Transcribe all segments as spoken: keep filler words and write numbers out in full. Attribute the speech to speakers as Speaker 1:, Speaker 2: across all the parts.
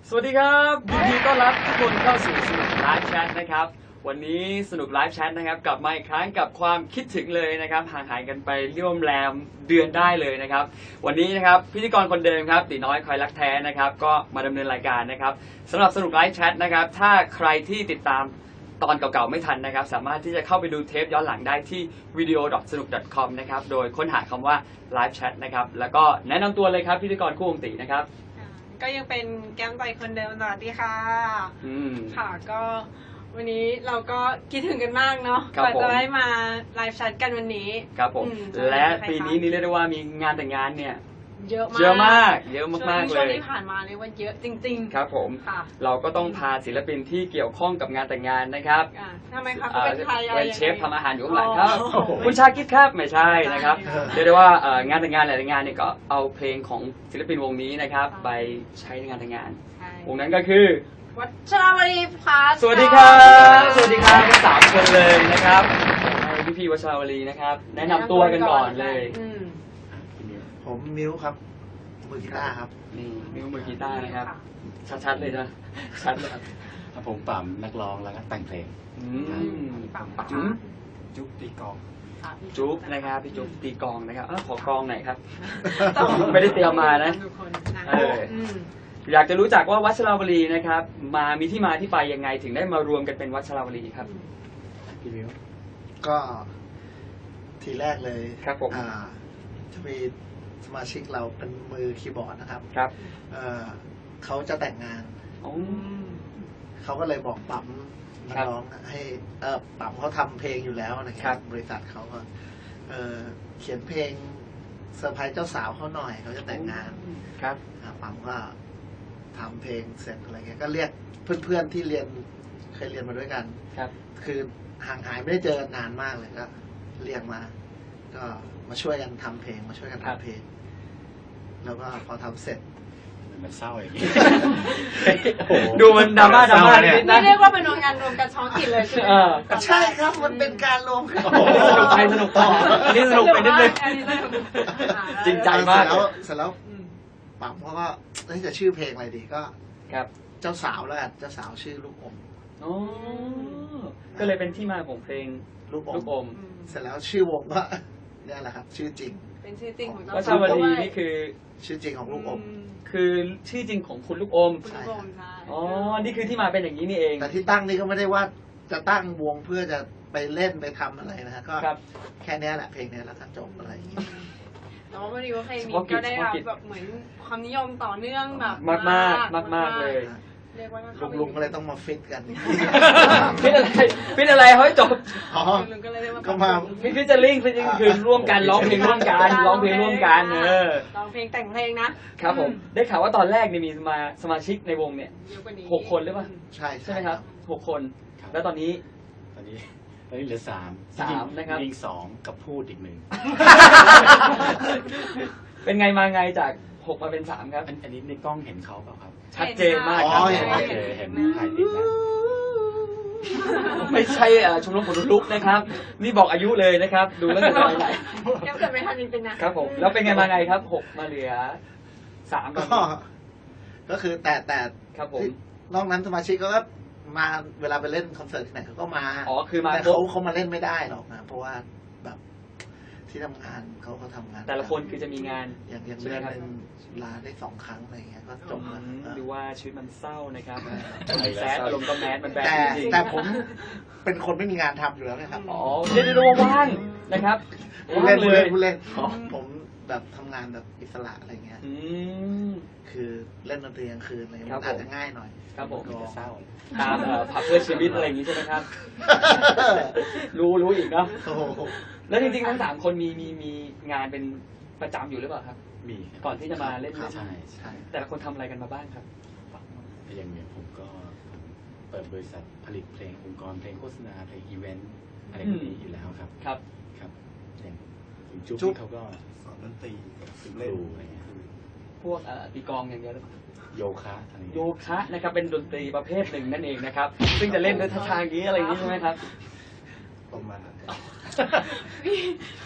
Speaker 1: สวัสดีครับยินดีต้อนรับทุกคนเข้าสู่สนุกไลฟ์แชทนะครับวันนี้สนุกไลฟ์แชทนะครับกลับมาอีกครั้งกับความคิดถึงเลยนะครับห่างหายกันไปร่วมแรมเดือนได้เลยนะครับวันนี้นะครับพิธีกรคนเดิมครับตีน้อยคอยรักแท้นะครับก็มาดำเนินรายการนะครับสำหรับสนุกไลฟ์แชทนะครับถ้าใครที่ติดตามตอนเก่าๆไม่ทันนะครับสามารถที่จะเข้าไปดูเทปย้อนหลังได้ที่ วิดีโอ ดอท สนุก ดอท คอม นะครับโดยค้นหาคำว่า Live Chat นะครับแล้วก็แนะนำตัวเลยครับพิธีกรคู่วงตีนะครับ
Speaker 2: ก็ยังเป็นแก้มใจคนเดิมสวัสดีค่ะ
Speaker 1: อืม
Speaker 2: ค่ะก็วันนี้เราก็คิดถึงกันมากเนาะกว่าจะได้มาไลฟ์แชทกันวันนี้
Speaker 1: ครับผมและปีนี้นี่เรียกได้ว่ามีงานแต่งงานเนี่ย
Speaker 2: เยอะมาก
Speaker 1: เยอะมากเยอะมากๆเลย
Speaker 2: ช่วงที่ผ่านมาเรียกว่าเยอะจริง
Speaker 1: ๆครับผมเราก็ต้องพาศิลปินที่เกี่ยวข้องกับงานแต่งงานนะครับ
Speaker 2: ทำไมครับเป็นใครอะไร
Speaker 1: เป็นเชฟทำอาหารอยู่ข้างหลังครับคุณชาคิดครับไม่ใช่นะครับเรียกได้ว่างานแต่งงานหลายๆงานเนี่ยก็เอาเพลงของศิลปินวงนี้นะครับไปใช้ในงานแต่งงานวงนั้นก็คือ
Speaker 2: วัชรวลีพาส
Speaker 1: สวัสดีครับสวัสดีครับทั้งสามคนเลยนะครับพี่พี่วัชรวลีนะครับแนะนำตัวกันก่อนเลย
Speaker 3: ผมมิ้วครับมือกีตาร์ครับ
Speaker 1: นี่มิ้วมือกีตาร์นะครับชัดๆเลยนะชัดเลยครับ
Speaker 4: ผมปั๊มนักร้องแล้วก็แต่งเพลง
Speaker 1: จุ๊บจุ๊บตีกองจุ๊บนะครับพี่จุ๊บตีกองนะครับขอกองหน่อยครับไม่ได้เตรียมมานะเอออยากจะรู้จักว่าวัชรวลีนะครับมามีที่มาที่ไปยังไงถึงได้มารวมกันเป็นวัชรวลีครับ
Speaker 3: พี่มิ้วก็ทีแรกเลย
Speaker 1: ครับผม
Speaker 3: จะมีสมาชิกเราเป็นมือคีย์บอร์ดนะครับ
Speaker 1: ครับ
Speaker 3: เเขาจะแต่งงานเขาก็เลยบอกปั๊มนักร้องให้เออปั๊มเขาทำเพลงอยู่แล้วนะครับบริษัทเขาก็เเขียนเพลงเซอร์ไพรส์เจ้าสาวเขาหน่อยเขาจะแต่งงาน
Speaker 1: ครับ
Speaker 3: ปั๊มก็ทำเพลงเสร็จอะไรเงี้ยก็เรียกเพื่อนๆที่เรียนเคยเรียนมาด้วยกัน
Speaker 1: ครับ
Speaker 3: คือห่างหายไม่ได้เจอกันนานมากเลยก็เรียกมาก็มาช่วยกันทำเพลงมาช่วยกันทำเพลงแล้วก็พอทำเสร็จ
Speaker 4: มันเศร้าอย่างนี้
Speaker 1: ดูมันดราม่าดราม่าเนี่ย
Speaker 2: นี่เรียกว่าเป็นงานรวมกันท้องถิ่นเลยใช่ไหม
Speaker 3: ใช่ครับมันเป็นการรวมกัน
Speaker 1: สนุกไปสนุกต่ออันนี้สนุกไปนิดนึงจริงใจมาก
Speaker 3: แล้วเสร็จแล้วปั๊มเขาก็จะชื่อเพลงอะไรดีก็
Speaker 1: ครับ
Speaker 3: เจ้าสาวแล้วกันเจ้าสาวชื่อลูกอม
Speaker 1: อ๋อก็เลยเป็นที่มาของเพลง
Speaker 3: ลูกอมเสร็จแล้วชื่อวงก็นี่แหละครับชื่อจริง
Speaker 2: เป็นชื่อจริงของเจ้า
Speaker 1: สาววัชรวลีนี่คือ
Speaker 3: ชื่อจริงของลูกอม
Speaker 1: คือชื่อจริงของคุณลูกอม
Speaker 2: ใช่
Speaker 1: อ๋อนี่คือที่มาเป็นอย่างนี้นี่เอง
Speaker 3: แต่ที่ตั้งนี่ก็ไม่ได้ว่าจะตั้งวงเพื่อจะไปเล่นไปทำอะไรนะก็แค่นี้แหละเพลงนี้แล้วก็จบอะไรอย่างนี้
Speaker 2: แต่ว่าพอดีว่าเพลงนี้ก็ได้รับแบบเหมือนความนิยมต่อเนื่องแบบ
Speaker 1: มากมากมากมากเลย
Speaker 3: ลุงๆก็เลยต้องมาฟิตกัน
Speaker 1: ฟิตอะไรฟิตอะไรเฮ้ยจบ
Speaker 3: ก็มา
Speaker 1: ฟิตเจอริ่งฟิตคือร่วมกันร้องเพลงร่วมกันร้องเพลงร่วมกันเออ
Speaker 2: ร้องเพลงแต่งเพลงนะครับ
Speaker 1: ผมได้ข่าวว่าตอนแรกนี่มีมาสมาชิกในวงเนี่ยหกคนหรือเปล่า
Speaker 3: ใช่
Speaker 1: ใช่ไหมครับหกคนแล้วตอนนี้
Speaker 4: ตอนนี้ตอนนี้เหลือสาม
Speaker 1: สามนะครับ
Speaker 4: ยิงสองกับพูดอีกหนึ่ง
Speaker 1: เป็นไงมาไงจากหกมาเป็นสามครับ
Speaker 4: อันนี้ในกล้องเห็นเขาเปล่าครับ
Speaker 1: ชัดเจนมากครับ
Speaker 4: เห็นเห็นถ่ายติดแล้ว
Speaker 1: ไม่ใช่ชมรมคนลุกนะครับนี่บอกอายุเลยนะครับดูแล้วจะน้อยไหน
Speaker 2: ยังเกิดไม่ทันจริงๆนะครับ
Speaker 1: ผมแล้วเป็นไงมาไงครับหกมาเหลือสาม
Speaker 3: ก็ก็คือแต่แต่
Speaker 1: ครับผม
Speaker 3: นอกนั้นสมาชิกก็มาเวลาไปเล่นคอนเสิร์ตที่ไหนเขาก็มา
Speaker 1: อ๋อคือมา
Speaker 3: แต่เขาเขามาเล่นไม่ได้หรอกนะเพราะว่าแบบที่ทำงานเขาเขาทำงาน
Speaker 1: แต่ละคนคือจะมีงาน
Speaker 3: อย่างอย่างเล่นลาได้สองครั้งอะไรเงี้ยก็จบแล้ว
Speaker 1: ดูว่าชีวิตมันเศร้านะครับแซดอารมณ์ก็แมสมันแบดจริง
Speaker 3: แต่ผมเป็นคนไม่มีงานทำอยู่แล้วนะครับ
Speaker 1: อ๋อเล่นดูว่างนะครับ
Speaker 3: เล่นเลยเล่นผมแบบทำงานแบบอิสระอะไรเงี้ยคือเล่นดนตรีกลางคืนอะไรมันอาจจะง่ายหน่อย
Speaker 1: ครับผม
Speaker 3: ก็เศร้า
Speaker 1: ตามผับเพื่อชีวิตอะไรอย่างนี้ใช่ไหมครับรู้รู้อีกเนาะแล้วจริงๆทั้งสามคนมีมีมีงานเป็นประจำอยู่หรือเปล่าครับ
Speaker 4: มี
Speaker 1: ก่อนที่จะมาเล่น
Speaker 4: ใช่ใช่
Speaker 1: แต่ละคนทำอะไรกันมาบ้างครับ
Speaker 4: อย่างเนี้ยผมก็เปิดบริษัทผลิตเพลงองค์กรเพลงโฆษณาเพลงอีเวนต์อะไรแบบนี้อยู่แล้วครับ
Speaker 1: ครับ
Speaker 4: ครับอย่างจุ๊บเขาก็
Speaker 3: สอนดนตรี
Speaker 4: ครูอะไรเงี้ย
Speaker 1: พวกตีกองอย่างเดียวหรือเปล่า
Speaker 4: โยคะอะไร
Speaker 1: โยคะนะครับเป็นดนตรีประเภทหนึ่งนั่นเองนะครับซึ่งจะเล่นด้วยท่าทางนี้อะไรอย่างนี้ใช่ไหมครับ
Speaker 3: ประมาณนั้น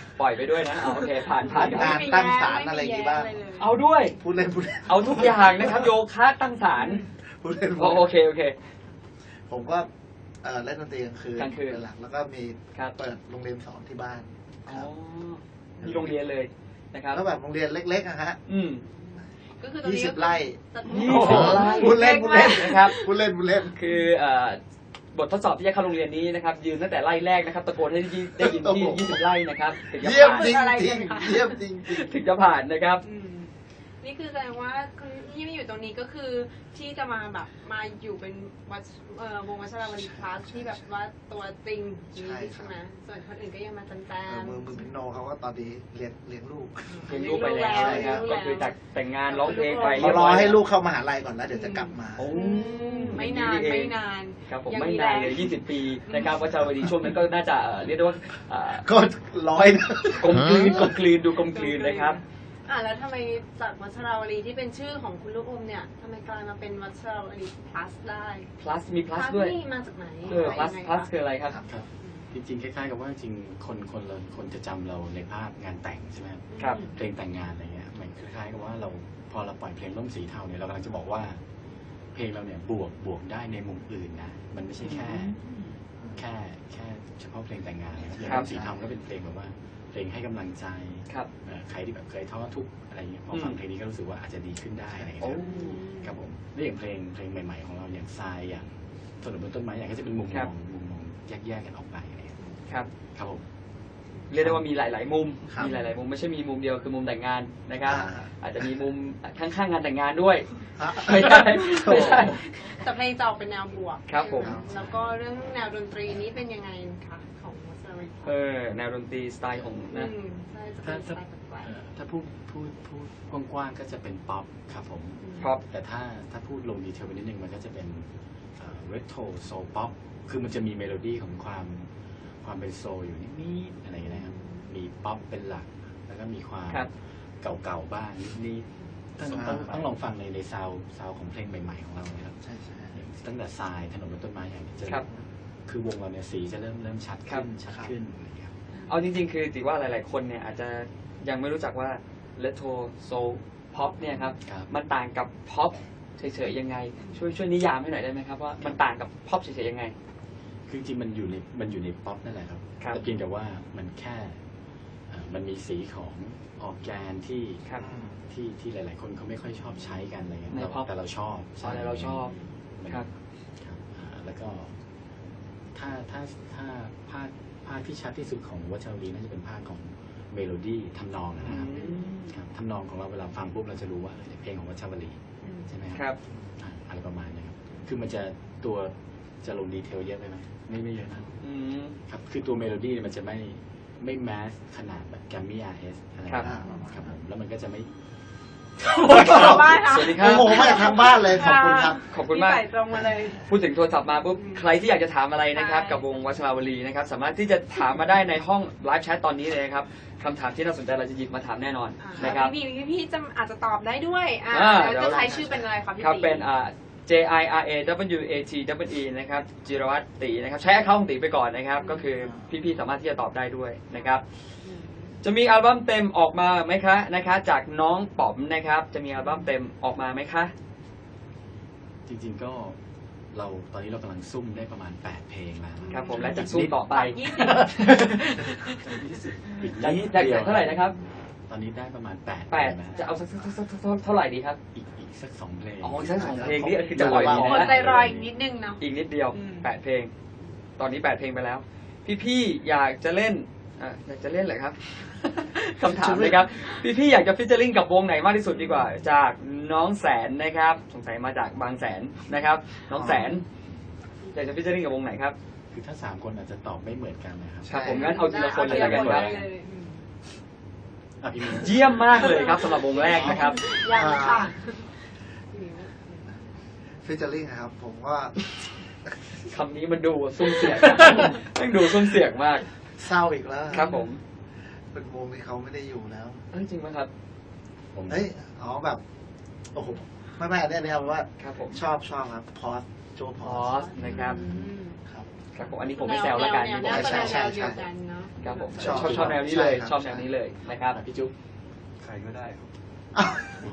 Speaker 1: ปล่อยไปด้วยนะเอาโอเคผ่านผ่าน
Speaker 3: งานตั้งศาลอะไรอย่างงี้บ้าง
Speaker 1: เอาด้วย
Speaker 3: พูดเล่นพูดเล่น
Speaker 1: เอาทุกอย่างนะครับโยคะตั้งศาล
Speaker 3: พูดเล่น
Speaker 1: โอโอเคโอเค
Speaker 3: ผมก็เอ่อเล่นดนตรีกลางคืน
Speaker 1: กลางคืน
Speaker 3: เป็นหลักแล้วก็มี
Speaker 1: ครับ
Speaker 3: เปิดโรงเรียนสอนที่บ้าน
Speaker 1: อ๋อมีโรงเรียนเลยนะครับ
Speaker 3: แล้วแบบโรงเรียนเล็กๆอะฮะ
Speaker 1: อืม
Speaker 2: ก็คือตอน
Speaker 3: ยี่
Speaker 2: นี้
Speaker 3: สิบไร่
Speaker 1: ยี่สิบไร่
Speaker 3: พูดเล่นพูดเล่น
Speaker 1: นะครับ
Speaker 3: พูดเล่นพูดเล่น
Speaker 1: คือเอ่อบททดสอบที่จะเข้าโรงเรียนนี้นะครับ ยืนตั้งแต่ไล่แรกนะครับ ตะโกนให้ได้ยินที่
Speaker 3: โอ้โห
Speaker 1: ยี่สิบไร่นะครับถึงจะ
Speaker 3: เยี่ยม
Speaker 1: ผ่าน
Speaker 3: จริงจริงเยี่ยมจริงจริง
Speaker 1: ถึงจะผ่านนะครับ
Speaker 2: อืมนี่คือแสดงว่าคนที่มาอยู่ตรงนี้ก็คือที่จะมาแบบมาอยู่เป็นวัดเอ่อวงวัชรวลีคลาสที่แบบว่าตัวจริงนี้ใช่ไหมส่วนคนอื่นก็ยังมาแจ
Speaker 3: เออ
Speaker 2: ม
Speaker 3: มือมือพินโนเขาก็ตอนนี้เลี้ยงเลี้ยงลูก
Speaker 1: เรียนรู้ไปแล้วนะครับ ก็คือจากแต่งงานร้องเพลงไป
Speaker 3: เขารอให้ลูกเข้ามหาลัยก่อนแล้วเดี๋ยวจะกลับมา
Speaker 1: โอ้
Speaker 2: ไม่นานไม่นาน
Speaker 1: ครับผม
Speaker 2: ยัง
Speaker 1: ไม่
Speaker 2: มี
Speaker 1: นาน
Speaker 2: แรง
Speaker 1: เลยยี่สิบปีนะครับวัชรวดีช่วงนั้นก็น่าจะเอ่อเรียกได้ว่าเอ่อ
Speaker 3: ก็ร้อยนะ
Speaker 1: กลมกลืนกลมกลืนดูกลมกลืนนะครับ
Speaker 2: อ่ะแล้วทำไมจากวัชราวลีที่เป็นชื่อของคุณลูกอมเนี่ยทำไมกลายมาเป็นวัชราวลี plus ได้
Speaker 1: plus มี plus ด้วย
Speaker 2: นี่มาจากไหน
Speaker 1: เออ plus
Speaker 2: ยังไง
Speaker 1: plus
Speaker 2: คะ
Speaker 1: คืออะไรครับ
Speaker 4: ครับจริงๆคล้ายๆกับว่าจริงๆคนคนเราคนจะจำเราในภาพงานแต่งใช่ไหมครับ
Speaker 1: ครับ
Speaker 4: เพลงแต่งงานอะไรเงี้ยมันคล้ายๆกับว่าเราพอเราปล่อยเพลงร่มสีเทาเนี่ยเรากำลังจะบอกว่า เพลงเราเนี่ยบวกบวกได้ในมุมอื่นนะมันไม่ใช่แค่ แค่แค่เฉพาะเพลงแต่งงานนะครับอย่าง
Speaker 1: ครับ
Speaker 4: ร่มสีเทาก็เป็นเพลงแบบว่าเพลงให้กำลังใจ
Speaker 1: ครับ
Speaker 4: เอ่อใครที่แบบเคยท้อทุกข์อะไรเงี้ยพอ
Speaker 1: อืม
Speaker 4: ฟังเพลงนี้ก็รู้สึกว่าอาจจะดีขึ้นได้อะไรเงี้ย
Speaker 1: โอ้
Speaker 4: ครับผมแล้วอย่างเพลงเพลงใหม่ๆของเราอย่างทรายอย่างถนนบนต้นไม้อย่างก็จะเป็นมุม
Speaker 1: ค
Speaker 4: ม
Speaker 1: รั
Speaker 4: อบ งมุมมองแยกๆกันออกไปอะไรเงี้ย
Speaker 1: ครับ
Speaker 4: ครับผม
Speaker 1: เรียกได้ว่ามีหลาย ๆ มุม
Speaker 3: ครับ
Speaker 1: มีหลาย ๆ มุมไม่ใช่มีมุมเดียวคือมุมแต่งงานนะครับ
Speaker 3: อ่า
Speaker 1: อาจจะมีมุมข้าง ๆ งานแต่งงานด้วย
Speaker 3: ฮะ
Speaker 1: ไม่ใช่ไม่ใช่
Speaker 2: แต่เพลงจะออกเป็นแนวบวก
Speaker 1: ครับผม
Speaker 2: แล้วก็เรื่องแนวดนตรีนี้เป็นยังไงคะของวัชราวลี
Speaker 1: เออแนวดนตรีสไตล์ของนะ
Speaker 2: อืมใช่จะเป็นสไตล์แปลก
Speaker 4: เอ่อถ้าพูดพูดพูดกว้างๆก็จะเป็นป๊อปครับผม
Speaker 2: ๆ
Speaker 1: ครับ
Speaker 4: แต่ถ้าถ้าพูดลงดีเทลไปนิดนึงมันก็จะเป็นเรโทรโซลป๊อปคือมันจะมีเมโลดี้ของความความเป็นโซลอยู่นิดๆอะไรอย่างเงี้ยนะครับมีป๊อปเป็นหลัก แล้วก็มีความ
Speaker 1: ครับ
Speaker 4: เก่าๆบ้างนิดๆต้องต้องต้องลองฟังในในซาวซาวของเพลงใหม่ๆของเรานะครับ
Speaker 3: ใช่ใช่
Speaker 4: อย่างตั้งแต่ทรายถนนบนต้นไม้อย่างนี้จะ
Speaker 1: ครับ
Speaker 4: คือวงเราเนี่ยสีจะเริ่มเริ่มชัด
Speaker 1: ครั
Speaker 4: ขึ้
Speaker 1: บ
Speaker 4: นชัดขึ้นอะไรอย่างเงี้ยครับ
Speaker 1: เอาจริง ๆ คือถือว่าหลาย ๆ คนเนี่ยอาจจะยังไม่รู้จักว่าเลโทโซพ็อปเนี่ยครับ
Speaker 4: ครับ
Speaker 1: มันต่างกับพ็อปเฉย ๆ ยังไง ช่วยช่วยนิยามให้หน่อยได้ไหมครับว่ามันต่างกับพ็อปเฉย ๆ ยังไง
Speaker 4: คือจริงๆมันอยู่ในมันอยู่ในป๊อปนั่นแหละครับ
Speaker 1: ครับ
Speaker 4: แต่เพียงแต่ว่ามันแค่เอ่อมันมีสีของออร์แกนที่
Speaker 1: ครับ
Speaker 4: ที่ที่หลาย ๆ คนเขาไม่ค่อยชอบใช้กันอะไรเงี้ย
Speaker 1: ใน
Speaker 4: เรา
Speaker 1: pop
Speaker 4: แต่เราชอบ
Speaker 1: อ๋อแต่เราชอบ
Speaker 4: มัน
Speaker 1: ครับ
Speaker 4: ครับอ่าแล้วก็ ถ้าถ้าถ้าภาคภาคที่ชัดที่สุดของวัชรวลีน่าจะเป็นภาคของเมโลดี้ทำนองนะครับ
Speaker 1: อืม
Speaker 4: ครับทำนองของเราเวลาฟังปุ๊บเราจะรู้ว่าเออเนี่ยเพลงของวัชรวลีใช่ไหม
Speaker 1: ครับ
Speaker 4: อ่าอะไรประมาณนี้ครับคือมันจะตัวจะลงดีเทลเยอะไปไหมไม่ไม่เยอะนะ
Speaker 1: อืม
Speaker 4: ครับคือตัวเมโลดี้เนี่ยมันจะไม่ไม่แมสขนาดแบบแกมมี่อาร์เอสอะไร
Speaker 1: ครับ
Speaker 4: นะครับผมแล้วมันก็จะไม่
Speaker 2: บ้านค่ะ
Speaker 1: สวัสดีครับ
Speaker 3: โอ้โหมาจากทางบ้านเลยขอบคุณครับ
Speaker 1: ขอบคุณมาก
Speaker 2: พี่ใส่ตรงมาเลย
Speaker 1: พูดถึงโทรศัพท์มาปุ๊บ
Speaker 2: อืม
Speaker 1: ใครที่อยากจะถามอะไรนะครับ
Speaker 2: ใช่
Speaker 1: กับวงวัชราวลีนะครับ สามารถที่จะถามมาได้ในห้องไลฟ์แชทตอนนี้เลยนะครับคำถามที่น่าสนใจเราจะหยิบมาถามแน่นอน
Speaker 2: อ่า
Speaker 1: นะครับ
Speaker 2: พี่พี่พี่จะอาจจะตอบได้ด้วยอ่า
Speaker 1: อ่า
Speaker 2: แล้ว
Speaker 1: เดี๋ยว
Speaker 2: จะใช้ชื่อเป็นอะไรคะพี่
Speaker 1: ครับ
Speaker 2: ตี
Speaker 1: เป็นอ่า J I R A W A T W E นะครับจิรวัตรตีนะครับใช้แอคเคาท์ของตีไปก่อนนะครับ ก็คือพี่ๆสามารถที่จะตอบได้ด้วยนะครับ
Speaker 2: อืม
Speaker 1: จะมีอัลบั้มเต็มออกมาไหมคะนะคะจากน้องป๋อมนะครับ จะมีอัลบั้มเต็มออกมาไหมคะ
Speaker 4: จริงๆก็เราตอนนี้เรากำลังซุ่มได้ประมาณแปดเพลงแล้ว
Speaker 1: ครับผมและจะสู้ต่อไป
Speaker 2: ยี่สิบ
Speaker 4: อีก
Speaker 1: จาก
Speaker 4: นิด
Speaker 1: จาก
Speaker 4: เดียว
Speaker 1: เท่าไหร่นะครับ
Speaker 4: ตอนนี้ได้ประมาณแปด
Speaker 1: แปด
Speaker 4: เพลงน
Speaker 1: จะเอาสักสักสักสักเท่าไหร่ดีครับ
Speaker 4: อีกอีกสักสองเพลง
Speaker 1: อ๋อสักสองเพลงนี่คือจะปล่อยดี
Speaker 2: คน
Speaker 1: นะ
Speaker 2: ใจรอยอีกนิดนึงเนาะ
Speaker 1: อีกนิดเดียว
Speaker 2: อืม
Speaker 1: แปดเพลง ตอนนี้แปดเพลงไปแล้ว พี่ๆอยากจะเล่นอ่ะอยากจะเล่นเหรอครับ คำถามเลยครับ พี่ๆอยากจะฟิชเจอริงกับวงไหนมากที่สุดดีกว่า จากน้องแสนนะครับ สงสัยมาจากบางแสนนะครับ น้องแสน อยากจะฟิชเจอริงกับวงไหนครับ
Speaker 4: คือถ้าสามคนอาจจะตอบไม่เหมือนกันนะครับ
Speaker 1: ครับผมงั้นเอาทีละคนเลยแล้วกันครับ
Speaker 2: อาทีละเลยอืม
Speaker 4: อ่ะพี่มิ้น
Speaker 1: เยี่ยมมากเลยครับสำหรับวงแรกนะครับ
Speaker 2: ยังค่ะ
Speaker 3: ฟิชเจอริงครับ ผมก็
Speaker 1: คำนี้มันดูซุ่มเสียงมันดูซุ่มเสียงมาก
Speaker 3: เศร้าอีกแล้ว
Speaker 1: ครับผม
Speaker 3: เป็นวงที่เขาไม่ได้อยู่แล้ว
Speaker 1: เอ้ยจริงไหมครับ
Speaker 4: ผม
Speaker 3: เฮ้ยอ๋อแบบโอ้โหไม่ไม่อันนี้เนี่ยว่า
Speaker 1: ครับผม
Speaker 3: ชอบชอบครับพอสโจพ
Speaker 1: พ
Speaker 3: อ
Speaker 1: อ
Speaker 3: ส
Speaker 1: สนะครับ
Speaker 3: ครับ
Speaker 1: ครับผมอันนี้ผมไม่แซวแล้วกัน
Speaker 2: แน
Speaker 1: นี่
Speaker 2: ว
Speaker 1: ผม
Speaker 2: แนว
Speaker 1: ไม่แซว
Speaker 2: แนวเดียวกันเนาะ
Speaker 1: ครับผม
Speaker 3: ชอบ
Speaker 1: ชอบชอบแนวนี้เลย
Speaker 3: ใช่ครับ
Speaker 1: ชอบแนวนี้เลยนะครับ
Speaker 4: อ่ะพี่จุ๊บ
Speaker 5: ใครก็ได้ครับ
Speaker 3: อ้าว